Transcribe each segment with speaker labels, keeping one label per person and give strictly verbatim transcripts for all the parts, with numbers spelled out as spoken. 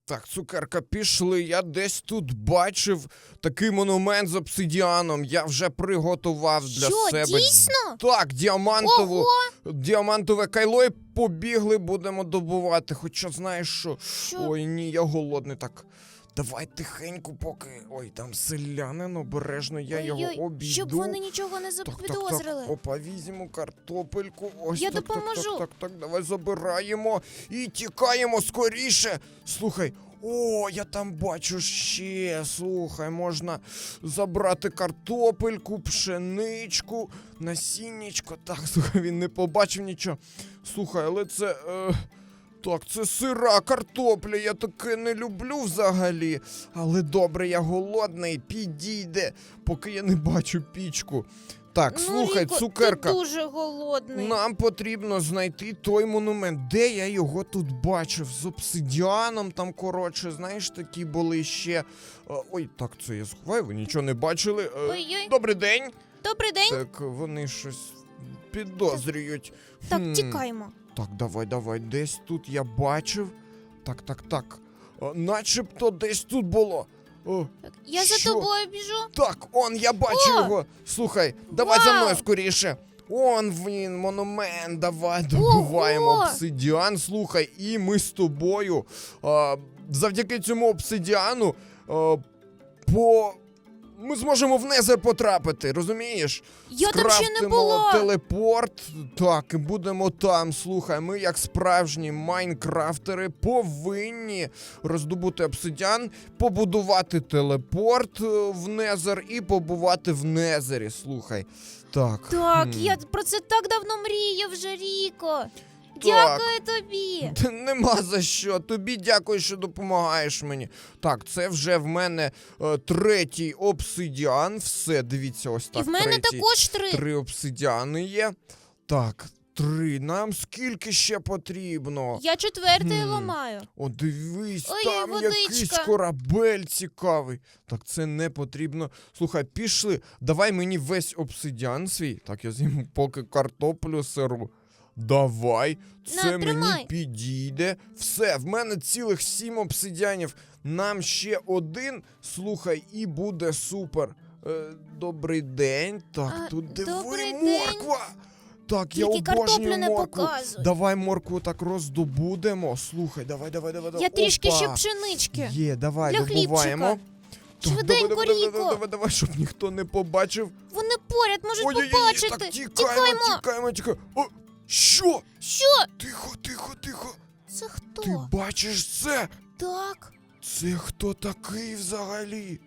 Speaker 1: Так, цукерка, пішли. Я десь тут бачив такий монумент з обсидіаном. Я вже приготував для
Speaker 2: Що,
Speaker 1: себе.
Speaker 2: дійсно?
Speaker 1: Так, діамантову,
Speaker 2: Ого!
Speaker 1: діамантове кайло і побігли, будемо добувати. Хоча знаєш що?
Speaker 2: Що?
Speaker 1: Ой, ні, я голодний так. Давай тихенько поки. Ой, там селянин, обережно, я його
Speaker 2: Ой-ой,
Speaker 1: обійду.
Speaker 2: щоб вони нічого не
Speaker 1: Так, так,
Speaker 2: запідозрили.
Speaker 1: так, опа, візьмемо картопельку. Ось
Speaker 2: Я
Speaker 1: так, так,
Speaker 2: допоможу.
Speaker 1: Так, так, так, давай забираємо і тікаємо скоріше. Слухай, о, я там бачу ще. Слухай, можна забрати картопельку, пшеничку, насіннячко. Так, слухай, він не побачив нічого. Слухай, але це. Е... Так, це сира картопля, я таке не люблю взагалі. Але добре, я голодний, підійде, поки я не бачу пічку. Так,
Speaker 2: Ну,
Speaker 1: слухай,
Speaker 2: Ріко,
Speaker 1: цукерка,
Speaker 2: ти дуже голодний.
Speaker 1: нам потрібно знайти той монумент. Де я його тут бачив? З обсидіаном там, коротше, знаєш, такі були ще. А, ой, так, це я сховаю, ви нічого не бачили. Е,
Speaker 2: Ой-ой.
Speaker 1: Добрий день.
Speaker 2: Добрий день.
Speaker 1: Так, вони щось підозрюють.
Speaker 2: Так,
Speaker 1: Хм.
Speaker 2: тікаємо.
Speaker 1: Так, давай, давай, десь тут я бачив. Так, так, так. О, начебто десь тут було. О,
Speaker 2: Так, я
Speaker 1: Що?
Speaker 2: за тобою біжу.
Speaker 1: так, он, я бачу
Speaker 2: О!
Speaker 1: його. Слухай, давай за
Speaker 2: Вау!
Speaker 1: мною скоріше. Он він, монумент, давай добуваємо
Speaker 2: Ого!
Speaker 1: обсидіан. Слухай, і ми з тобою а, завдяки цьому обсидіану а, по... Ми зможемо в Незер потрапити, розумієш?
Speaker 2: Я там ще не
Speaker 1: Скрафтимо
Speaker 2: була.
Speaker 1: телепорт, так, і будемо там. Слухай, ми як справжні майнкрафтери повинні роздобути обсидіан, побудувати телепорт е, в Незер і побувати в Незері, слухай. Так.
Speaker 2: Так,
Speaker 1: хм.
Speaker 2: я про це так давно мріяв вже, Ріко.
Speaker 1: Так.
Speaker 2: Дякую тобі.
Speaker 1: Та нема за що. Тобі дякую, що допомагаєш мені. Так, це вже в мене е, третій обсидіан. Все, дивіться, ось так.
Speaker 2: І в мене
Speaker 1: третій.
Speaker 2: також три.
Speaker 1: Три обсидіани є. Так, три. Нам скільки ще потрібно?
Speaker 2: Я четвертий
Speaker 1: Хм.
Speaker 2: ламаю.
Speaker 1: О, дивись,
Speaker 2: Ой,
Speaker 1: там
Speaker 2: водичка.
Speaker 1: якийсь корабель цікавий. Так, це не потрібно. Слухай, пішли. Давай мені весь обсидіан свій. Так, я з'їм поки картоплю сиру. Давай,
Speaker 2: На,
Speaker 1: це мені
Speaker 2: тримай.
Speaker 1: підійде. Все, в мене цілих сім обсидіанів. Нам ще один, слухай, і буде супер. Е, добрий день. Так,
Speaker 2: А,
Speaker 1: тут диви,
Speaker 2: добрий день.
Speaker 1: морква. Так, я
Speaker 2: Тільки картоплю
Speaker 1: обожнюю
Speaker 2: не
Speaker 1: моркву.
Speaker 2: показуй.
Speaker 1: Давай моркву так роздобудемо. Слухай, давай, давай, давай. давай.
Speaker 2: Я трішки
Speaker 1: Опа.
Speaker 2: ще пшенички.
Speaker 1: Є, давай,
Speaker 2: Для
Speaker 1: добуваємо.
Speaker 2: хлібчика.
Speaker 1: Так,
Speaker 2: Швиденько,
Speaker 1: давай, давай, давай,
Speaker 2: Ріко.
Speaker 1: давай, давай, щоб ніхто не побачив.
Speaker 2: Вони поряд можуть
Speaker 1: Ой-ой-ой,
Speaker 2: побачити.
Speaker 1: так, тікаємо,
Speaker 2: Тікаємо.
Speaker 1: тікаємо, тікаємо. О, що?
Speaker 2: Що?
Speaker 1: Тихо, тихо, тихо.
Speaker 2: Це хто?
Speaker 1: Ти бачиш це?
Speaker 2: Так.
Speaker 1: Це хто такий взагалі?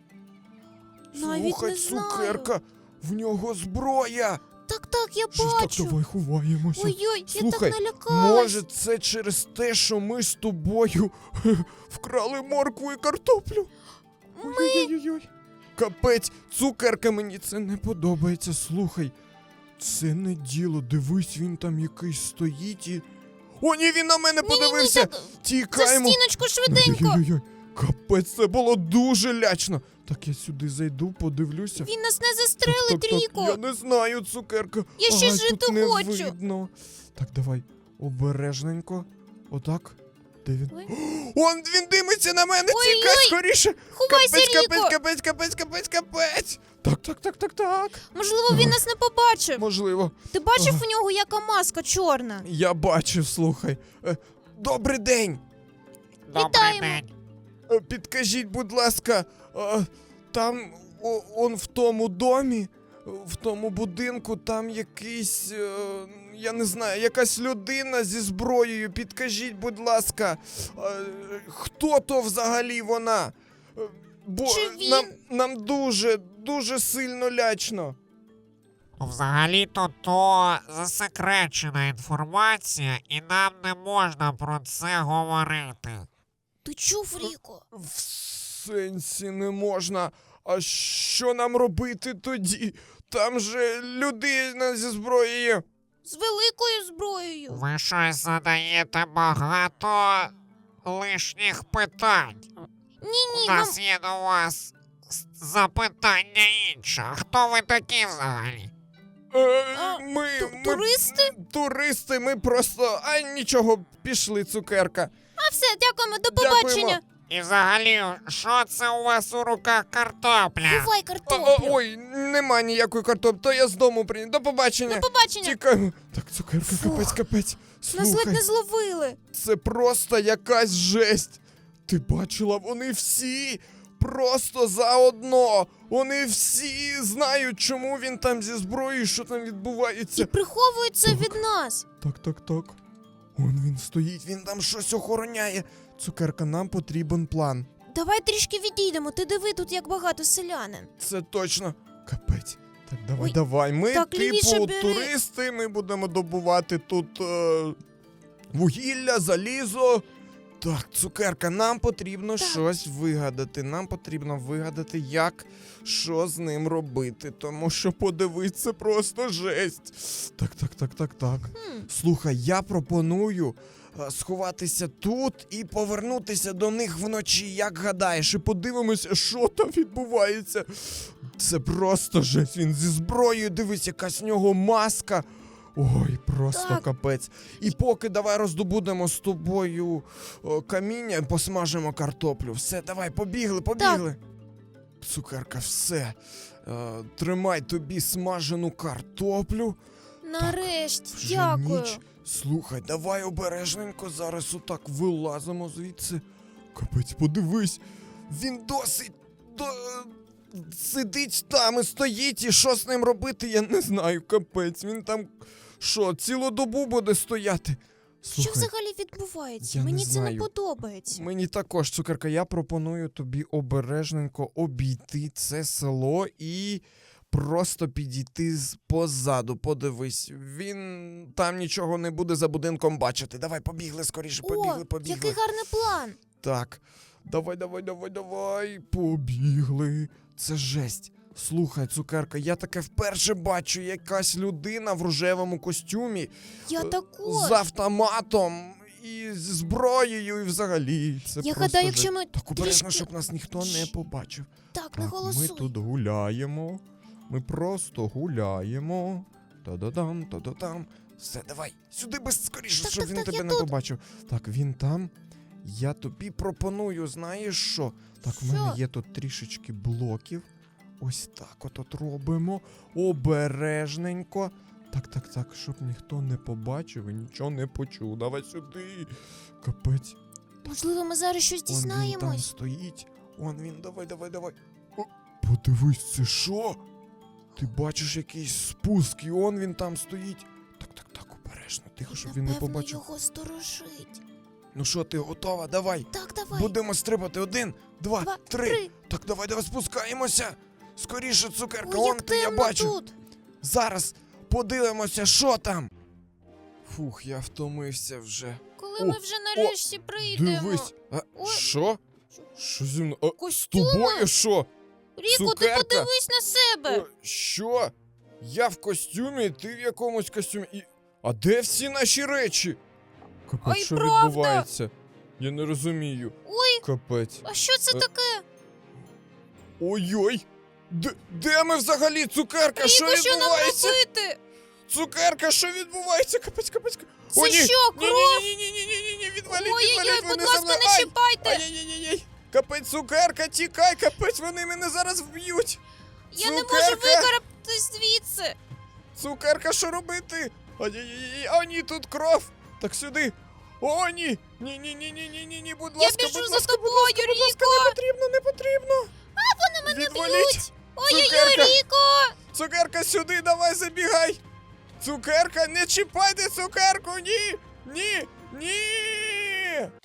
Speaker 2: Навіть
Speaker 1: Слухай,
Speaker 2: не знаю.
Speaker 1: цукерка, в нього зброя.
Speaker 2: Так, так, я
Speaker 1: Що ж так,
Speaker 2: бачу.
Speaker 1: давай ховаємося.
Speaker 2: Ой-ой, я
Speaker 1: Слухай,
Speaker 2: так налякалась.
Speaker 1: може це через те, що ми з тобою вкрали моркву і картоплю?
Speaker 2: Ми...
Speaker 1: Ой-ой-ой. Капець, цукерка, мені це не подобається. Слухай, це не діло. Дивись, він там якийсь стоїть і... О, ні, він на мене подивився!
Speaker 2: Ні-ні-ні, так, за
Speaker 1: Тікаємо!
Speaker 2: стіночку швиденько.
Speaker 1: Ой-ой-ой, капець, це було дуже лячно. Так, я сюди зайду, подивлюся.
Speaker 2: Він нас не
Speaker 1: Так,
Speaker 2: застрелить,
Speaker 1: так, так,
Speaker 2: Ріко.
Speaker 1: я не знаю, цукерка.
Speaker 2: Я ще
Speaker 1: Ай,
Speaker 2: жити
Speaker 1: тут не
Speaker 2: хочу.
Speaker 1: видно. Так, давай, обережненько. Отак. Де він?
Speaker 2: Ой.
Speaker 1: Он він димиться на мене,
Speaker 2: Ой-ой.
Speaker 1: тікай скоріше.
Speaker 2: Ховайся,
Speaker 1: Капець,
Speaker 2: Ріко.
Speaker 1: капець, капець, капець, капець, капець. Так, так, так, так, так.
Speaker 2: Можливо, він нас не побачив.
Speaker 1: Можливо.
Speaker 2: Ти бачив
Speaker 1: Ага.
Speaker 2: у нього яка маска чорна?
Speaker 1: Я бачив, слухай. Е, Добрий день.
Speaker 2: Вітаємо.
Speaker 1: Е, Підкажіть, будь ласка, е, там о, он в тому домі, в тому будинку, там якийсь, е, я не знаю, якась людина зі зброєю. Підкажіть, будь ласка, е, хто то взагалі вона? Е, Бо
Speaker 2: Чи він?
Speaker 1: нам, нам дуже, дуже сильно лячно.
Speaker 3: Взагалі-то то засекречена інформація, і нам не можна про це говорити.
Speaker 2: Ти чув, Ріко?
Speaker 1: В сенсі не можна. А що нам робити тоді? Там же людина зі зброєю.
Speaker 2: З великою зброєю.
Speaker 3: Ви щось задаєте багато лишніх питань.
Speaker 2: Ні-ні,
Speaker 3: У
Speaker 2: нам...
Speaker 3: нас є до вас с- запитання інше. Хто ви такі взагалі?
Speaker 1: Е,
Speaker 2: А,
Speaker 1: ми,
Speaker 2: ту-
Speaker 1: ми
Speaker 2: туристи?
Speaker 1: туристи, ми просто. А нічого, пішли, цукерка.
Speaker 2: А все, дякуємо, до
Speaker 1: Дякуємо.
Speaker 2: побачення.
Speaker 3: І взагалі, що це у вас у руках картопля?
Speaker 2: Бувай
Speaker 1: О,
Speaker 2: картоплю.
Speaker 1: о, ой, нема ніякої картоплі, то я з дому приніс. До побачення.
Speaker 2: До побачення.
Speaker 1: Тікаємо. Так, цукерка,
Speaker 2: Фух.
Speaker 1: капець, капець.
Speaker 2: Нас ледь
Speaker 1: Слухай,
Speaker 2: не зловили.
Speaker 1: це просто якась жесть. Ти бачила, вони всі просто заодно. Вони всі знають, чому він там зі зброєю, що там
Speaker 2: І
Speaker 1: відбувається.
Speaker 2: приховуються
Speaker 1: Так.
Speaker 2: від нас.
Speaker 1: Так, так, так. Он він стоїть, він там щось охороняє. Цукерка, нам потрібен план.
Speaker 2: Давай трішки відійдемо. Ти диви тут, як багато селянин.
Speaker 1: Це точно. Капець. Так, давай,
Speaker 2: Ой,
Speaker 1: давай. Ми,
Speaker 2: так, лівіше
Speaker 1: типу,
Speaker 2: бери.
Speaker 1: туристи, ми будемо добувати тут е, вугілля, залізо. Так, цукерка, нам потрібно
Speaker 2: Так.
Speaker 1: щось вигадати. Нам потрібно вигадати, як що з ним робити. Тому що подивись, це просто жесть. Так, так, так, так, так.
Speaker 2: Хм.
Speaker 1: Слухай, я пропоную е, сховатися тут і повернутися до них вночі, як гадаєш, і подивимося, що там відбувається. Це просто жесть. Він зі зброєю, дивись, якась в нього маска. Ой, просто
Speaker 2: Так.
Speaker 1: капець. І поки давай роздобудемо з тобою о, каміння, посмажимо картоплю. Все, давай, побігли, побігли. Цукерка, все. Е, тримай тобі смажену картоплю.
Speaker 2: Нарешті,
Speaker 1: Вже
Speaker 2: дякую.
Speaker 1: ніч. Слухай, давай обережненько зараз отак вилазимо звідси. Капець, подивись. Він досить до... сидить там і стоїть, і що з ним робити, я не знаю, капець. Він там що, цілу добу буде стояти.
Speaker 2: Що
Speaker 1: Слухай,
Speaker 2: взагалі відбувається?
Speaker 1: я не
Speaker 2: Мені це
Speaker 1: знаю.
Speaker 2: не подобається.
Speaker 1: мені також, цукерка, я пропоную тобі обережненько обійти це село і просто підійти з- позаду. Подивись, він там нічого не буде за будинком бачити. Давай, побігли скоріше, побігли,
Speaker 2: О,
Speaker 1: побігли.
Speaker 2: який гарний план.
Speaker 1: Так, давай, давай, давай, давай. Побігли. Це жесть. Слухай, цукерка, я таке вперше бачу, якась людина в рожевому костюмі
Speaker 2: Я
Speaker 1: е,
Speaker 2: також.
Speaker 1: з автоматом і з зброєю, і взагалі. Це
Speaker 2: Я
Speaker 1: просто
Speaker 2: гадаю,
Speaker 1: жесть.
Speaker 2: якщо ми
Speaker 1: Так обережно,
Speaker 2: трішки...
Speaker 1: щоб нас ніхто не
Speaker 2: Щ.
Speaker 1: побачив.
Speaker 2: Так, не
Speaker 1: Так, ми
Speaker 2: голосуй.
Speaker 1: тут гуляємо. Ми просто гуляємо. Та-да-дам, та-да-дам. Все, давай, сюди без скоріше,
Speaker 2: Так,
Speaker 1: щоб
Speaker 2: так,
Speaker 1: він
Speaker 2: так,
Speaker 1: тебе
Speaker 2: я
Speaker 1: не
Speaker 2: тут.
Speaker 1: побачив. Так, він там. Я тобі пропоную, знаєш що? Так, в мене
Speaker 2: Що?
Speaker 1: є тут трішечки блоків. Ось так от от робимо. Обережненько. Так, так, так, щоб ніхто не побачив і нічого не почув. Давай сюди. Капець.
Speaker 2: Можливо, ми зараз щось
Speaker 1: Он він там
Speaker 2: дізнаємось.
Speaker 1: стоїть. Он він, давай, давай, давай. О, подивись, це що? Ти бачиш якийсь спуск, і он він там стоїть. Так, так, так, обережно, тихо, щоб він не
Speaker 2: Напевно,
Speaker 1: побачив.
Speaker 2: його сторожить.
Speaker 1: Ну що, ти готова? Давай.
Speaker 2: Так, давай.
Speaker 1: Будемо стрибати. Один, два,
Speaker 2: Два,
Speaker 1: три.
Speaker 2: три.
Speaker 1: Так, давай, давай спускаємося. Скоріше, цукерка,
Speaker 2: Ой,
Speaker 1: он
Speaker 2: як
Speaker 1: ти, я
Speaker 2: темно
Speaker 1: бачу.
Speaker 2: тут.
Speaker 1: Зараз подивимося, що там. Фух, я втомився вже.
Speaker 2: Коли
Speaker 1: О,
Speaker 2: ми вже нарешті прийдемо.
Speaker 1: Дивись. А,
Speaker 2: Ой.
Speaker 1: що? Що зі мною? А, з
Speaker 2: Костюми?
Speaker 1: тобою що?
Speaker 2: Ріко, ти
Speaker 1: Цукерка?
Speaker 2: подивись на себе.
Speaker 1: О, що? Я в костюмі, ти в якомусь костюмі. І... А де всі наші речі? Капець,
Speaker 2: Ой,
Speaker 1: що
Speaker 2: правда.
Speaker 1: відбувається? Я не розумію.
Speaker 2: Ой,
Speaker 1: Капець.
Speaker 2: а що це
Speaker 1: Е,
Speaker 2: таке?
Speaker 1: Ой-ой! Де, де ми взагалі? Цукерка, що
Speaker 2: Ріко, що нам
Speaker 1: відбувається?
Speaker 2: робити?
Speaker 1: Цукерка, що відбувається? Капець, капець. капець. О,
Speaker 2: Це
Speaker 1: ні!
Speaker 2: що,
Speaker 1: Ні,
Speaker 2: кров?
Speaker 1: ні, ні, ні, ні, ні, ні, відваліть,
Speaker 2: Ой-ой-ой,
Speaker 1: відваліть,
Speaker 2: будь
Speaker 1: вони
Speaker 2: ласка,
Speaker 1: за мною.
Speaker 2: не
Speaker 1: Ай!
Speaker 2: чіпайте.
Speaker 1: Ай-яй-яй-яй! Капець, цукерка, тікай, капець, вони мене зараз вб'ють!
Speaker 2: Я не можу
Speaker 1: Цукерка!
Speaker 2: викарабтись звідси.
Speaker 1: Цукерка, що робити? Ай-яй-яй, о, ні, тут кров! Так сюди! О, ні! Ні, ні, ні, ні, ні, ні, ні, будь
Speaker 2: Я
Speaker 1: ласка,
Speaker 2: біжу
Speaker 1: будь
Speaker 2: за
Speaker 1: ласка,
Speaker 2: тобою,
Speaker 1: будь ласка, будь ласка,
Speaker 2: Ріко.
Speaker 1: не потрібно, не потрібно! А, вони
Speaker 2: мене
Speaker 1: Відваліть!
Speaker 2: б'ють. Ой-ой-ой,
Speaker 1: Цукерка!
Speaker 2: Ріко.
Speaker 1: Цукерка, сюди, давай, забігай! Цукерка, не чіпайте цукерку, ні! Ні! Ні!